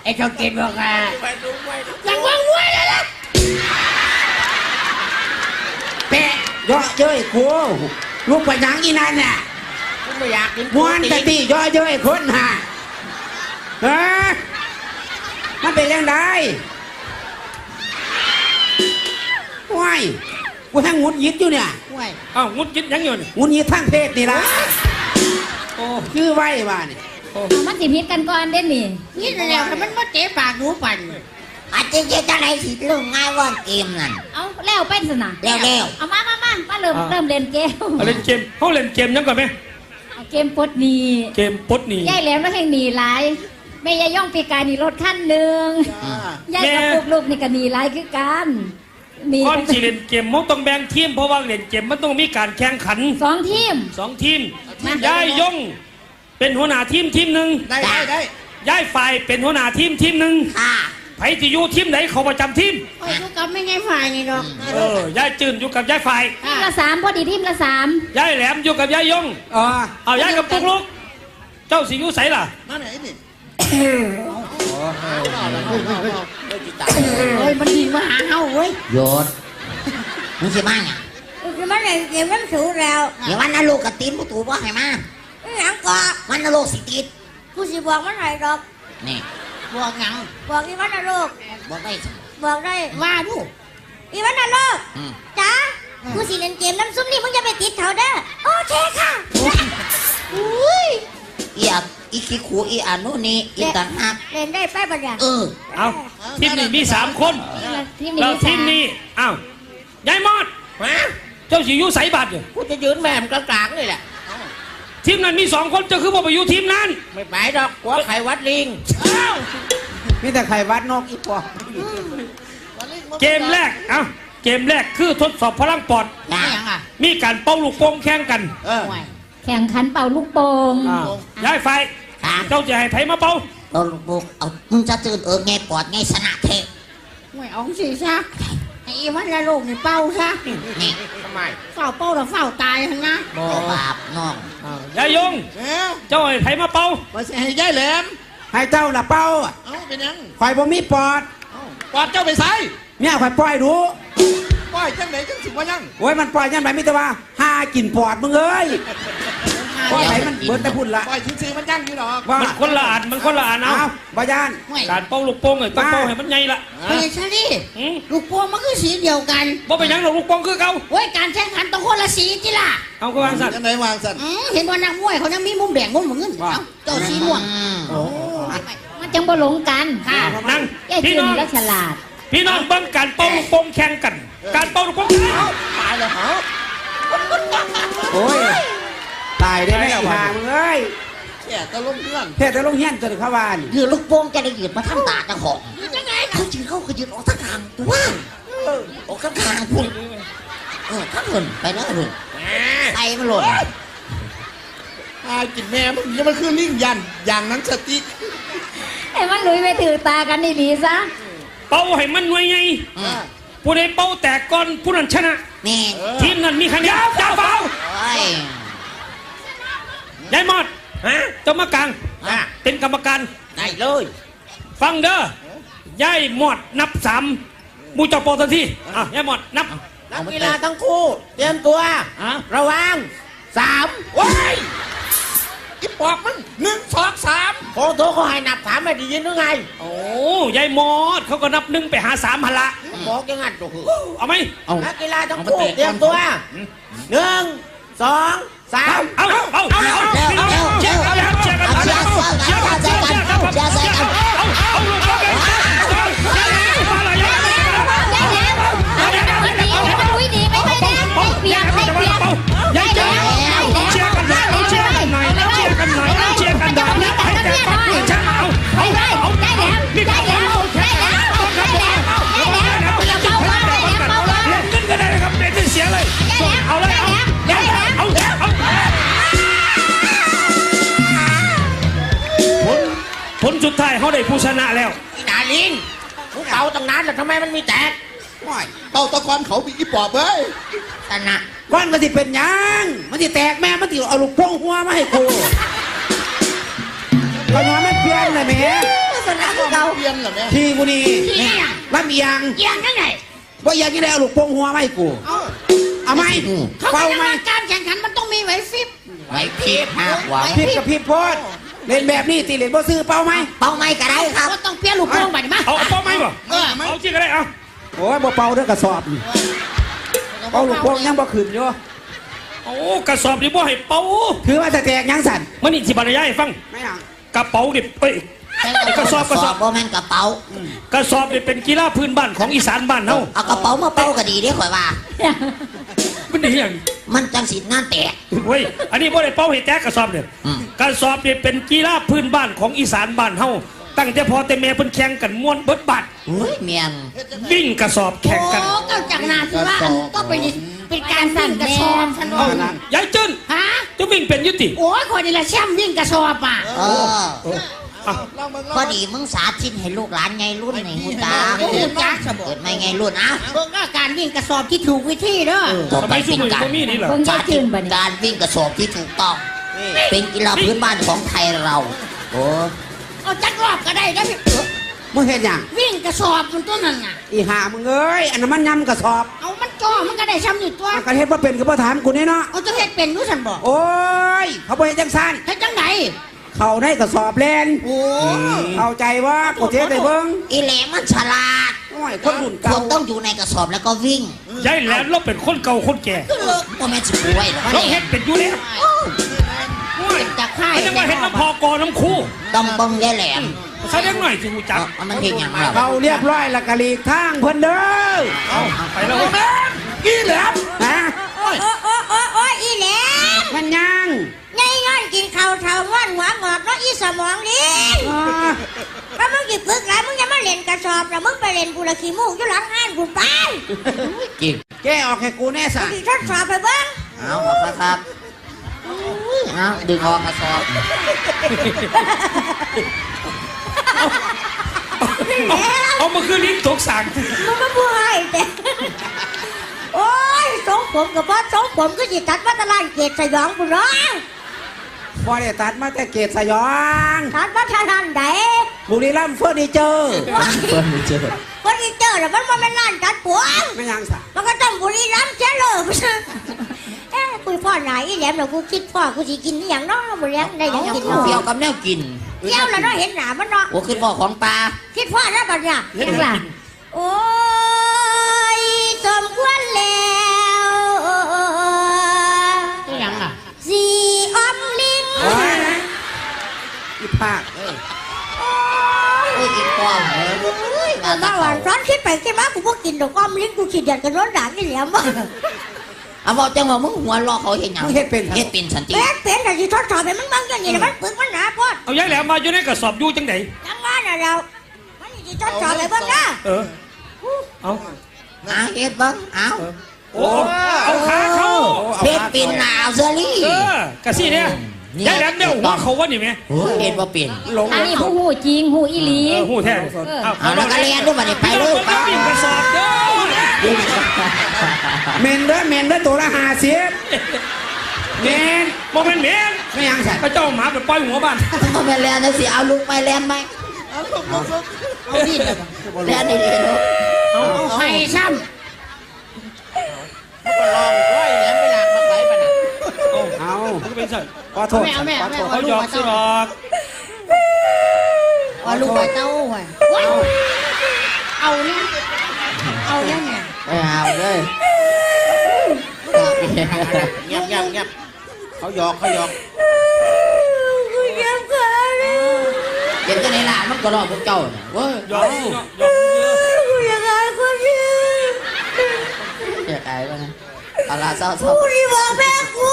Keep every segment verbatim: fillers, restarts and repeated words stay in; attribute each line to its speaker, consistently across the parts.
Speaker 1: ไอ้ชาวเกตบอกอ่ะยังว่างมวยเลยล่ะแปะย่อเย้ยกูลูกไปยังอีนั่นน่ะไม่อยากกินม้วนตะตีย่อเย้ยคนห่าเฮ้ยมันเป็นยังไงว้ายกูทั้งงุดยิดอยู่เนี่ย
Speaker 2: อ้าวงุดยิดยังอยู่นี่
Speaker 1: งุดยิดทั้งเพศนี่ละโอ้ชื่อไว้บ้านี่
Speaker 3: มันสิพิษกันก่อนเด่นนี่
Speaker 4: นี่แล้วมันมาเตะปากหนูปั่น
Speaker 5: อาจจะจะจะไหนสิลงง่ายว่าเกมนั่น
Speaker 3: เอาแล้วเป็นสนะ
Speaker 5: แล้วแล้ว
Speaker 3: เอามามามามาเริ่มเริ่มเล่นเกม
Speaker 2: เล่นเกมเขาเล่นเกมยังก่อนไหม
Speaker 3: เกมปดหนี
Speaker 2: เกมปดหนี
Speaker 3: ย่ายแหลมแล้วแห่งหนีหลายแม่ยายย่องปีกายนี่รถขั้นหนึ่งย่ายกับลูกลูกนี่ก็หนีหลายคือกัน
Speaker 2: ก่อนที่เล่นเกมมันต้องแบ่งทีมเพราะว่าเล่นเกมมันต้องมีการแข่งขัน
Speaker 3: สองทีม
Speaker 2: สองทีมย่ายย่องเป็นหัวหน้าทีมทีมหนึ่ง
Speaker 1: ได้ได้ได้
Speaker 2: ย่ายฝ่ายเป็นหัวหน้าทีมทีมหนึ่งไผ่ที่อยู่ทีมไหนเขาประจำทีม
Speaker 4: อยู่กับไม่ไงฝ่ายนี่ดอก
Speaker 2: เออย่ายจืนอยู่กับย่ายฝ่าย
Speaker 3: ทีมละสามพอดีทีมละสาม
Speaker 2: ย่ายแหลมอยู่กับย่ายย่อง
Speaker 1: อ๋อ
Speaker 2: เอาย่ายกับปุ๊กลุกเจ้าสิอยู่ใส่ล่ะ
Speaker 1: นั่นไหนนี่
Speaker 4: เฮ้ยมันดีมาหาเฮาเว้ย
Speaker 5: โยนมึงสิมาเนี่ย
Speaker 4: คือมันเลยเกมมันสูงแล้ว
Speaker 5: เดี๋ยววันนั้นลูกกับตีนผู้ถูกว่าให้มา
Speaker 4: หยังก็
Speaker 5: วันนั้นลูกสิติด
Speaker 4: กูสิบอกมันให้ดอก
Speaker 5: นี่
Speaker 4: บอกหยังบอกอีวันนั้นลูก
Speaker 5: บอกได้
Speaker 4: บอกได้ว่าดูอีวันนั้นลูกจ้ากูสิเล่นเกมน้ำซุปนี่มึงจะไปติดเขาเด้อโอเคค่ะอุ้ย
Speaker 5: อีอักอีขี้ขู่อีอานุนี่อีต่างหาก
Speaker 4: เล่นได้ไปปะเนี่ย
Speaker 5: เออ
Speaker 2: เอาทีมนี้มีสามคนแล้วทีมนี้อ้าวย่ายมอดเจ้าสิอยู่ใส่บัตรอยู่
Speaker 1: กูจะยืนแม่มกลางๆนี่แหละ
Speaker 2: ทีมนั้นมีสองคนจะคือว่าไปอยู่ทีมนั้น
Speaker 1: ไม่ไปดอกหัวไข่วัดลิงมีแต่ไข่วัดนกอีปอ
Speaker 2: เกมแรกเอ้าเกมแรกคือทดสอบพลังปอดมีการเป่าลูกโป่งแข่งกัน
Speaker 3: แข่งขันเป่าลูกโป่ง
Speaker 2: ย้ายไฟเจ้าจะให้ไผมาเป่า
Speaker 5: เป่าลูกโป่งเอามึงจะตื่นเออไงปอดไงสนะเท
Speaker 4: ไม่เอาสิซะไอ้วันละลูกนี่เป่าซะ
Speaker 5: นี่
Speaker 1: ทำไม
Speaker 4: เฝ้าเป่าแล้วเฝ้าตายทั้งนะ
Speaker 5: บาปน้อง
Speaker 2: ยายยงเจ้าให้ไผมาเป่า
Speaker 1: มาให้ยายแหลมให้เจ้าละเป่า
Speaker 4: เอ้าเป็นยัง
Speaker 1: ข่อยบ่มีปอด
Speaker 4: ปอดเจ้าไปใส่
Speaker 1: เนี่ยข่อยปล่อยดู
Speaker 4: ปล่อยจังไหนจังสิว่ายัง
Speaker 1: โอ้ยมันปล่อยยังไงมิตรว่าห้ากินปอดมึงเอ้ยปล่อยไหนมันเบิดแต่พุ่นละ
Speaker 4: ปล่อยซื้อมันยังอยู่หรอก
Speaker 2: มันคนละอันมันคนละอันเอา
Speaker 1: บายาน
Speaker 2: การเป่าลูกโป่งเลยต้องเป่าให้มันใหญ่ละ
Speaker 4: ไม่ใช่ดิลูกโป่งมันคือสีเดียวกัน
Speaker 2: บ่เป็นยังหรอกลูกโป่งคือเขา
Speaker 4: โอ้ยการแข่งขันต้องคนละสีจิล่ะ
Speaker 2: เอาก็วางสัตว์
Speaker 1: ยังไงวางสัตว์
Speaker 4: เห็นว่านักมวยเขายังมีมุมแดงมุมเหมือนกันเจ้าสีม่วง
Speaker 3: มันจังบ่หลงกัน
Speaker 2: ค่ะนั่ง
Speaker 3: พี่น้องและฉลาด
Speaker 2: พี่น้องเบิ่งการเป่าลูกโป่งแข่งกันการเป่าลูกโป่ง
Speaker 1: ตายเลยเหรอโอ้ยตายได้ไหมห่างเอ้ยแค่ตะลุงเฮี้ยนแค่ตะลุงเฮี้ยนจนเข้าบ้าน
Speaker 5: ยืนลูกโป่งจะได้ยืนมาทำตาจังของ
Speaker 4: ยังไง
Speaker 5: เขายืนเขาก็ยืนออกทั้งทางตัวออกทั้งทางพุ่งเออทั้งหุ่นไปแล้วหุ่นไตมันหล่น
Speaker 1: ตายกินแม่มันยังมันคือลิงยันอย่างนั้นสติ
Speaker 3: ไอ้มันลุยไปถือตากันดีๆซะ
Speaker 2: เป่าให้มันหน่วยไงผู้ใดเป่าแตกก่อนผู้นั้นชนะ
Speaker 5: นี่
Speaker 2: ทีมนั้นมีคะแนนจ้าเป่ายายมอดฮะเจ้ามากลางเป็นกรรมการ
Speaker 1: ได้เลย
Speaker 2: ฟังเด้อยายมอดนับสามมูจอปอทันทีอ่ะยายมอดนับ
Speaker 1: นักกีฬาทั้งคู่เตรียมตัวระวังสามว้ายอีปอกมันหนึ่งสองสามโอ้โหเขาให้นับสามไม่ได้ยินหรือไง
Speaker 2: โอ้ยายมอดเขาก็นับหนึ่งไปหาสามหันละ
Speaker 1: บอกยังไงตัว
Speaker 2: เอาไหม
Speaker 1: นักกีฬาทั้งคู่เตรียมตัวหนึ่งสองสาม
Speaker 2: เอาเอาเอาเอาเอาเชียร์กันเชียร์กันเชียร์กันเชียร์กันเชียร์กันเชียร์กันเชียร์กันเอาเอาลูกบอลกันมาเลย
Speaker 3: เปียกให้เปียก
Speaker 2: ยายเจ้าเชียร์กันหน่อยเชียร์กันหน่อยเชียร์กันหน่อยเชียร์กันหน่อยให้แต่ปั๊บเลยจ้าเอาเอาเอาได้แล้วได้แล้วได้แล้วได้แล้วได้แล้วอย่าเบาเบาได้แล้วเบาเบาเล่นกันก็ได้ครับเล่นไม่เสียเลยเอาเลยเอาได้แล้วเอาเอาผลผลสุดท้ายเขาได้ผู้ชนะแล้ว
Speaker 1: ดาลินพวกเต่าตั้งนานแต่ทำไมมันมีแตกเต่าตะกอนเขามีกี่ปอบเว้ย
Speaker 5: ชนะ
Speaker 1: ก้อนมันสิเป็นยังมันสิแตกแม่มันสิเอาลูกโป่งหัวมาให้กูก้อนหัวมันเปลี่ยนเลยแม่
Speaker 4: ชนะกูคือเก่า
Speaker 5: เปลี่ยนเหรอแม่
Speaker 1: ทีกูนี่
Speaker 2: ที่ยัง
Speaker 1: ลำเอียง
Speaker 2: ยังยังไง
Speaker 1: ว่าอยากจะได้เอาลูกโป่งหัวไหมาให้กูเอาไหม
Speaker 2: เขา
Speaker 1: เป่า
Speaker 2: บอก
Speaker 1: ไหม
Speaker 2: ว่าการแข่งขันมันต้องมีไหวพริบ
Speaker 5: ไว้พีดห้าหัว
Speaker 1: ผิดกับผิดโพดเล่นแบบนี้ตีเล่นบ่ซื้อเป่าไหม
Speaker 5: เป้าไม่ก็ได้ครับ
Speaker 2: ก็ต้องเปลี่ยนลูกโป่งไปดิมา
Speaker 6: เอาเอาเป้าไหมบ่
Speaker 2: เออ
Speaker 6: เอาจริงก็ได้เอา
Speaker 1: โอ้ยบ่เป่าเด้อกระสอบนี่เป่าลูกโป่งยังบ่ขึ้นอยู่
Speaker 6: โอ้กระสอบนี่บ่ให้เป่า
Speaker 1: ถือว่าจะแตกยังสั่น
Speaker 6: มันนี่สิบรรยายให้ฟัง
Speaker 1: ไม่หยัง
Speaker 6: กระเป๋านี่เอ้ย กระสอบกระสอบ
Speaker 5: บ่แม่นกระเป๋าก
Speaker 6: ระสอบนี่เป็นกีฬาพื้นบ้านของอีสานบ้านเฮา
Speaker 5: เอากระเป๋ามาเป้าก็ดีเด้ข่อยว่า
Speaker 6: มันดีอย่าง
Speaker 5: มันจังสิงานแตก
Speaker 6: เว้ยอันนี้บ่ได้เป่าให้แตกกระสอบเนี่ย
Speaker 5: อืม
Speaker 6: กระสอบนี่เป็นกีฬาพื้นบ้านของอีสานบ้านเฮาตั้งแต่พอแต่แม่เพิ่นแข่งกันม่วนเบิดบัด
Speaker 5: เฮ้ยเมียน
Speaker 6: วิ่งกระสอบแข่งกัน
Speaker 2: โอ้ก็จากนาที่ว่าก็เป็นเป็นการวิ่งกระสอบฉัน
Speaker 6: เอา
Speaker 2: ว่า
Speaker 6: ยายจื้น
Speaker 2: ฮะ
Speaker 6: จะวิ่งเป็นอยุติ
Speaker 2: โอ้ยคนนี้ละแชมป์วิ่งกระสอบอ่ะ
Speaker 5: เออ
Speaker 6: อ่ะ
Speaker 5: พอดีมึงสาธิตให้ลูกหลานไงรุ่นไงหูตา
Speaker 2: โอ้โหจ้าสบ
Speaker 5: เกิดไม่ไงรุ่นอ่ะ
Speaker 2: เบิ่งว่าการวิ่งกระสอบที่ถูกวิธีเด้อ
Speaker 5: ต่อ
Speaker 6: ทำ
Speaker 5: ไป
Speaker 6: ไมสู้
Speaker 5: เป็น
Speaker 6: มือ
Speaker 5: การ
Speaker 6: บ่มีนี่เหรอ
Speaker 3: เบิ่งยา
Speaker 5: สาย ธิ
Speaker 3: จื
Speaker 5: ต
Speaker 3: นบัดนี้
Speaker 5: การวิ่งกระสอบที่ถูกต้อง เป็นกีฬาพื้นบ้านของไทยเรา โอ้
Speaker 2: เอาจักรอบก็ได้นะพี่
Speaker 1: มึงเห็นหยัง
Speaker 2: วิ่งกระสอบมันตัวนั้นน่ะ
Speaker 1: อีห่ามึงเอ้ยอันนั้นมันยำกระสอบ
Speaker 2: เอามันจ่อมันก็ได้ซ้ำอยู่ตัว
Speaker 1: มันกระเฮ็ดว่าเป็นก็บ่ถามกูนี่เนาะ
Speaker 2: เอาจะเฮ็ดเป็นรู้ฉันบอก
Speaker 1: โอ้ยเขาบ่เฮ็ดจังซั่น
Speaker 2: เฮ็ดจังไหน
Speaker 1: เขาได้กระสอบแลน
Speaker 2: โอ้
Speaker 1: เข้าใจว่ากูเทศได้เบิ่ง
Speaker 5: อีแหลมมันฉลาด
Speaker 1: โอ้ยคนรุ่น
Speaker 5: ค
Speaker 1: เก่า
Speaker 5: นต้องอยู่ในกระสอบแล้วก็วิ่ง
Speaker 6: ยายแหลมเราเป็นคนเก่าคนแก่
Speaker 5: ก็แม่นสิป่วยหรอก
Speaker 6: เราเฮ็ดเป็นอยู่แล้ว
Speaker 2: เป็นจากค่าย
Speaker 6: ไม่ต้องว่าเฮ็ดน้ำพอกอน้ำคู่
Speaker 5: ต้องเบิ่งยายแหลม
Speaker 6: ใช้เล็กหน่อยสิหูจัก
Speaker 5: เอามันเห็นอย่างไร
Speaker 1: เขาเรียบร้อยแล้วก็หลีกทางเพิ่นเด้อ
Speaker 6: เอาไปแล้ว
Speaker 1: อีแหลมฮะ
Speaker 4: โอ้ยโอ้ยโอ้ยโอ้ยโอ้ยอีแหลม
Speaker 1: มันยัง
Speaker 4: ไงงอนกินข้าวเท่าว่านหัวงอกเนาะอีสมองลิง
Speaker 1: อ่า
Speaker 4: ถ้ามึงกินพึกหลายมึงจะมาเล่นกระสอบแล้วมึงไปเล่นกูละขี้มูกอยู่หลังห้านกูไป
Speaker 5: จริง
Speaker 1: แกออกให้กูแน่สะ
Speaker 4: ที่ทดสอบไปเบ้าง
Speaker 5: เอาครับครับเอาดึงออกกระสอบ
Speaker 6: เอาเอามาคือลิ้นตกสั่ง
Speaker 4: มึงมาพูดให้แต่โอ้ยสองผมกับพ่อสองผมก็จิตัดวัดตลาดเกตสยองกูเนาะ
Speaker 1: บ่ได้ตัดมาแต่เกตสยอง
Speaker 4: ตัดวัดทานไหน
Speaker 1: บุรีรัมย์เฟอร์นิเจอร์
Speaker 4: วันนี้เจอแล้วมันว่าเป็นร้านตัดผม
Speaker 1: ไม่ยังสะ
Speaker 4: มันก็ต้องบุรีรัมย์เสียเลยไม่ใช่เอ้คุยพ่อไหนอีแหลมเรากูคิดพ่อกูสิกินนี่อย่างน้องบุรีรัมย์ได้ยังกิน
Speaker 5: เกี่ยวกับแนวกิน
Speaker 4: เกี่ยวแล้วเนาะเห็นหนามันเนาะ
Speaker 5: โอ้ขึ้นบ่อของปลา
Speaker 4: คิดพ่อแล้วบัดเนี่ย
Speaker 3: ยังล่ะ
Speaker 4: โอ้ยสมควรแล้ว
Speaker 2: ตัวยังอ่ะ
Speaker 4: สีออมลิง
Speaker 1: โอ้ยอีภาคเอ้ย
Speaker 5: โอ้ยกินก้อนเลย
Speaker 4: เอามาหวานซ้อนคิดไปคิดมากูพวกกินดอกอ้อมลิงกูขีดเดียดกันร้อนด่างนี่แหลมวะ
Speaker 5: เอาบอกจังว่ามึงหัวรอเขาเห็นหยัง
Speaker 1: มึงเฮ็ดเป็น
Speaker 5: เฮ็ดเป็นสันติ
Speaker 4: เป็นเป็นแต่ที่ทดสอบเป็นมันบางอย่างนี่แหละมันปึกมันหนาพอด
Speaker 6: เอายายแหลมมาอยู่ในกระสอบอยู่จังได
Speaker 4: ยังว่าน่ะเรามันนี่ที่ทดสอบไปเบ้างนะ
Speaker 6: เออเอา
Speaker 5: หาเฮ็ดบ้างเอา
Speaker 6: โอ้เอาขาเขา
Speaker 5: เฮ็ดเป็นหนาวเซอรี่
Speaker 6: เออกระซี่เนี่ยยายแหลมเนี่ยหัวเขาว่านี่ไหม
Speaker 5: โอ้ยเฮ็ดบ่เป็น
Speaker 1: หลง
Speaker 3: อันนี้ผู้หูจริงหูอีหลี
Speaker 6: เออหูแท้
Speaker 5: เอาแล้วก็เรียนด้วยบัดนี้ไปเลย
Speaker 6: ไปวิ่งกระสอบเด้อ
Speaker 1: เมนเด้อเมนเด้อตัวละห้าสิบเมน
Speaker 6: โมเมนต์เมน
Speaker 1: ไม่ยังสะ
Speaker 6: พระเจ้าหมาไปปล่อยหัวบ้าน
Speaker 5: มาแม่แลนจังสิเอาลูกไปแลนไหมเอาดิแลนดีๆเนาะ
Speaker 6: เอา
Speaker 2: เอาให้ซ้
Speaker 1: เอา
Speaker 6: มันก็เป็นสัตว์
Speaker 1: ขอโท
Speaker 2: ำ
Speaker 1: ษ
Speaker 2: แม่เอาแม่
Speaker 1: ขอ
Speaker 2: แม่
Speaker 1: โทษ
Speaker 2: เอา
Speaker 6: เขาห
Speaker 2: ลู
Speaker 6: ย
Speaker 2: ก
Speaker 6: อก
Speaker 2: มา
Speaker 6: ซื้อหร
Speaker 2: เต้า
Speaker 6: อก
Speaker 2: เอาลูกมาเต้าไว้เอาเนี่ยเอาเนี่ยเนี่ย
Speaker 5: ไม่เอาเลย
Speaker 7: เงียบเงียบเงียบเขาหยอกเขาหยอก
Speaker 4: กูเจ็บขาเลย
Speaker 5: เด็กจะไหนล่ะมันก็รอพวกเจ้าเนี่ยเว้ย
Speaker 6: หยอกหยอกหยอกเยอะ
Speaker 4: กูอยากอายคนเดียว
Speaker 5: เด็กไอ้บ้างเอาละเศร้า
Speaker 4: กูที่บอกแม่กู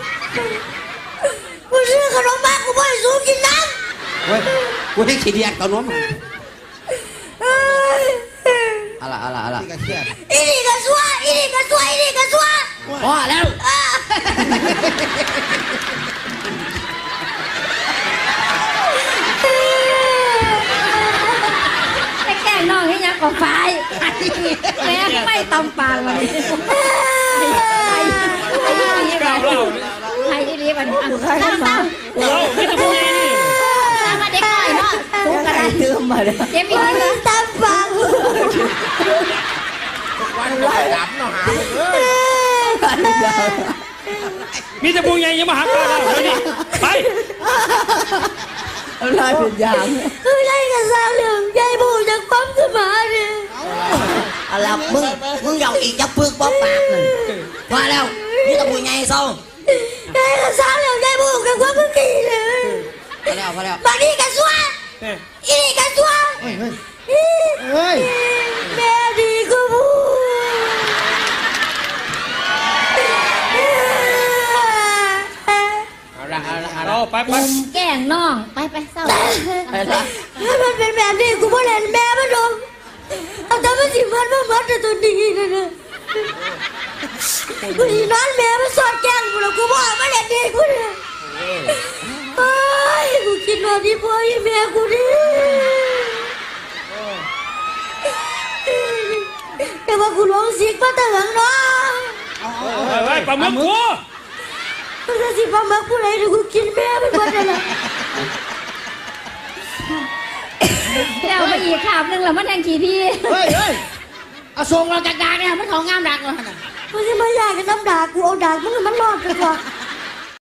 Speaker 4: กูซื้อขนมบ้ากูไม่ให้สูงกินน้
Speaker 1: เว้ยกูให้ขี้เดียดกับนม
Speaker 4: ำ
Speaker 5: ๆเอาละเอาละเอาละ
Speaker 1: นี่ก็เครียด
Speaker 4: อีนี่ก็ซัวอีนี่ก็ซัวอีนี่ก็ซัว
Speaker 5: พอแล้ว
Speaker 3: ไปแกล้งน้องให้ยังกับไฟแม่ไม่ตำปากวันนี้ไอ้ไอ้อีหลี
Speaker 6: กล่าวเล่า
Speaker 3: ไอ้อีหลีวันนี้ตั้งตั้ง
Speaker 6: เราไม่ต้องพูดนี่
Speaker 3: ตั้งมาเด็เด็กน้อยเนาะสู้กันได้
Speaker 1: เติมมาเลย
Speaker 3: เจ็บอีกนิด
Speaker 4: ตามปาก
Speaker 7: วันเราดำเนาะหาเลย
Speaker 6: มีแต่ผู้ใหญ่อยังมาหาข้าเราเดี๋ยวนี้ไป
Speaker 1: ลายเป็นยาง
Speaker 4: คือได้กับสาวเหลืองใจบูจากปั๊มสมาเนี่ย
Speaker 5: อะไรมึงมึงอยากอีกจะปึกบ๊อบปากหนึ่งมาแล้วนี่ตะบุยไงเศร้า
Speaker 4: ได้กับสาวเหลืองใจบูจากปั๊มเมื่อกี้เลย
Speaker 5: พอแล้วพอแล้ว
Speaker 4: บางทีกับซัวอีนี่กับซัว
Speaker 7: เฮ้ย
Speaker 4: แม่ดีก็บู
Speaker 7: เอาละเอาละเอาละ
Speaker 6: เราไปไป
Speaker 3: แกล้งน้องไปไปเศร้า
Speaker 4: ถ้ามันเป็นแบบนี้กูไม่เล่นแม่มันหรอกเอาแต่มันสิมันมันมันแต่ตัวดีนะนะกูอีนอนแม่มันสอดแกล้งกูแล้วกูบอกมาเล่นดีกูเนี่ยไอ้กูคิดว่าดีพ่ออีแม่กูดิแต่ว่ากูร้องสิกมาแต่หลังเนาะ
Speaker 6: ไปไปปลาหมึกกู
Speaker 4: มันจะสิฟังมากูเลยเดี๋ยวกูกินแม่มันหมดเลยนะ
Speaker 3: แล้วไปอีกขาบหนึงแล้วมันแทงขี้พี่
Speaker 7: เฮ้ยเฮ้ยเอาส่งเราจากดาเนี่ยมันของงามดักเลย
Speaker 4: มันจะมาอยากกันน้ำด่ากูเอาด่ามึงมันรอดกันกว่า
Speaker 7: เ